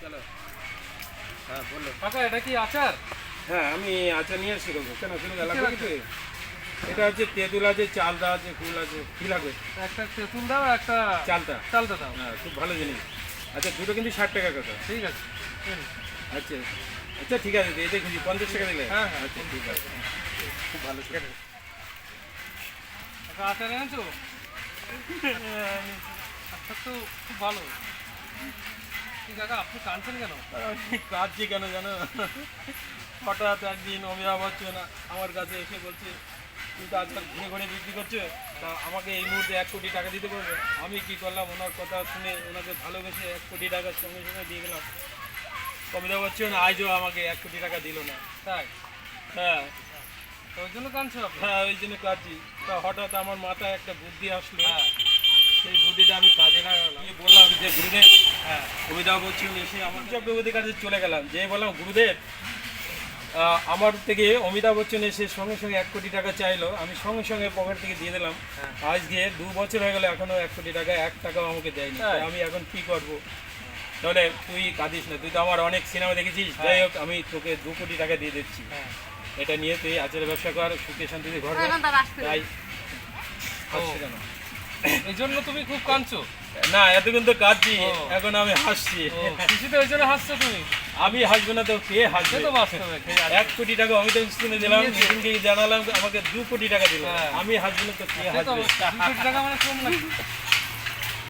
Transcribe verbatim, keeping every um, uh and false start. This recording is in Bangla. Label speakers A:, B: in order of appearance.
A: হ্যালো, হ্যাঁ বললো।
B: কাকা এটা কি আচার?
A: হ্যাঁ আমি আচার নিয়ে এসেছি কাকু। কেন কোনো
B: কিসের
A: লাগবে
B: আচার?
A: কিছু? এটা হচ্ছে তেঁতুল আছে, চালটা আছে, কুল আছে। কি লাগবে?
B: একটা তেঁতুল দাও, একটা
A: চালটা।
B: চালটা দাও।
A: হ্যাঁ খুব ভালো জিনিস। আচ্ছা দুটো কিন্তু ষাট টাকা কাকা।
B: ঠিক আছে। হুম।
A: আচ্ছা আচ্ছা ঠিক আছে, দিয়ে দেখুছি পঞ্চাশ টাকা দিলে।
B: হ্যাঁ, হ্যাঁ।
A: আচ্ছা ঠিক আছে, খুব ভালো ছিল।
B: কাকা আচার এনেছো? আচ্ছা তো খুব ভালো। কি কাকা আপনি কাঁদছেন কেন?
A: কাঁদছি কেন জানো? হঠাৎ একদিন অমিতাভ বচ্চন আমার কাছে এসে বলছে তুই তো আজকাল ঘুরে ঘুরে বিক্রি করছো, তা আমাকে এই মুহূর্তে এক কোটি টাকা দিতে পারবে? আমি কি করলাম, ওনার কথা শুনে ওনাকে ভালোবেসে এক কোটি টাকার সঙ্গে সঙ্গে দিয়ে গেলাম। অমিতাভ বচ্চন আজও আমাকে এক কোটি টাকা দিল না।
B: তাই?
A: হ্যাঁ
B: তো ওই জন্য কাঁদছো আপনি?
A: হ্যাঁ ওই জন্য কাঁদছি। তা হঠাৎ আমার মাথায় একটা বুদ্ধি আসলো,
B: হ্যাঁ।
A: সেই বুদ্ধিটা আমি কাজে লাগালাম। আমি বললাম যে গুরুদেব,
B: হ্যাঁ।
A: অমিতাভ বচ্চন এসে আমার চক্রবর্তীর কাছে চলে গেলাম, যে বললাম গুরুদেব আহ, আমার থেকে অমিতাভ বচ্চন এসে সঙ্গে সঙ্গে এক কোটি টাকা চাইলো, আমি সঙ্গে সঙ্গে পকেট থেকে দিয়ে দিলাম।
B: হ্যাঁ।
A: আজকে দু বছর হয়ে গেল এখনো এক কোটি টাকা এক টাকাও আমাকে দেয়নি।
B: তাই?
A: তাই আমি এখন কি করব? তাহলে তুই কাঁদিস না, তুই তো আমার অনেক সিনেমা দেখেছিস।
B: হ্যাঁ।
A: যাই হোক আমি তোকে দু কোটি টাকা দিয়ে দিচ্ছি,
B: হ্যাঁ।
A: এটা নিয়ে তুই আচারের ব্যবসা কর, সুখে শান্তিতে ঘর কর। তাই হাসছি কেন?
B: এই জন্য তুমি খুব কাঁদছো?
A: না এতক্ষণ তো কাঁদছি,
B: ও।
A: এখন আমি হাসছি।
B: ও, খুশিতে ওই জন্য হাসছো তুমি?
A: আমি হাসবো না তো কে
B: সে
A: হাসবে?
B: তো বাস্তবে
A: এক কোটি টাকা আমি তো স্কুলে দিলাম,
B: দিয়েছে।
A: মিটিংকে জানালাম আমাকে দু কোটি টাকা দিল।
B: হ্যাঁ।
A: আমি হাসবো না তো কে
B: সে তো
A: হাসবে?
B: দুই কোটি টাকা মানে কম নাকি?